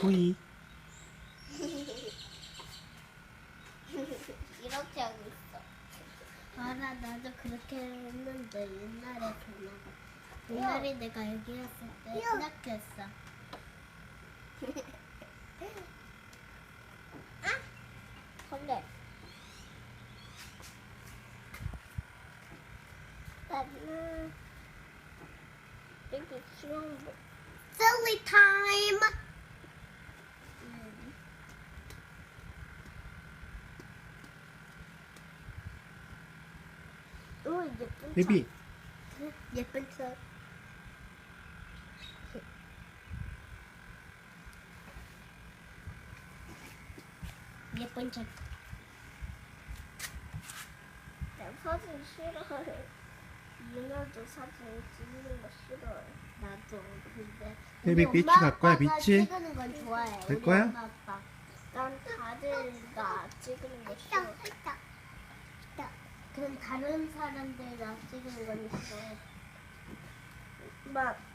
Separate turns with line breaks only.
토이.
이렇게 하고 있어. 알아, 나도 그렇게 했는데 옛날에 옛날에 내가 여기 왔을 때 이렇게 했어. 근데 나는 여기 수영복 silly time. 오, 예쁜
베비.
차. 예쁜 차. 예쁜 차. 나 사진 싫어해. 유나도 사진 찍는 거 싫어해. 나도. 근데
베비
우리
비치
엄마,
갈 거야,
아빠가
비치?
찍는 건 좋아해.
갈
우리
거야?
엄마, 아빠. 난 다들 나 찍는 거 싫어. 그럼 다른 사람들 나 찍는 건 싫어해. 막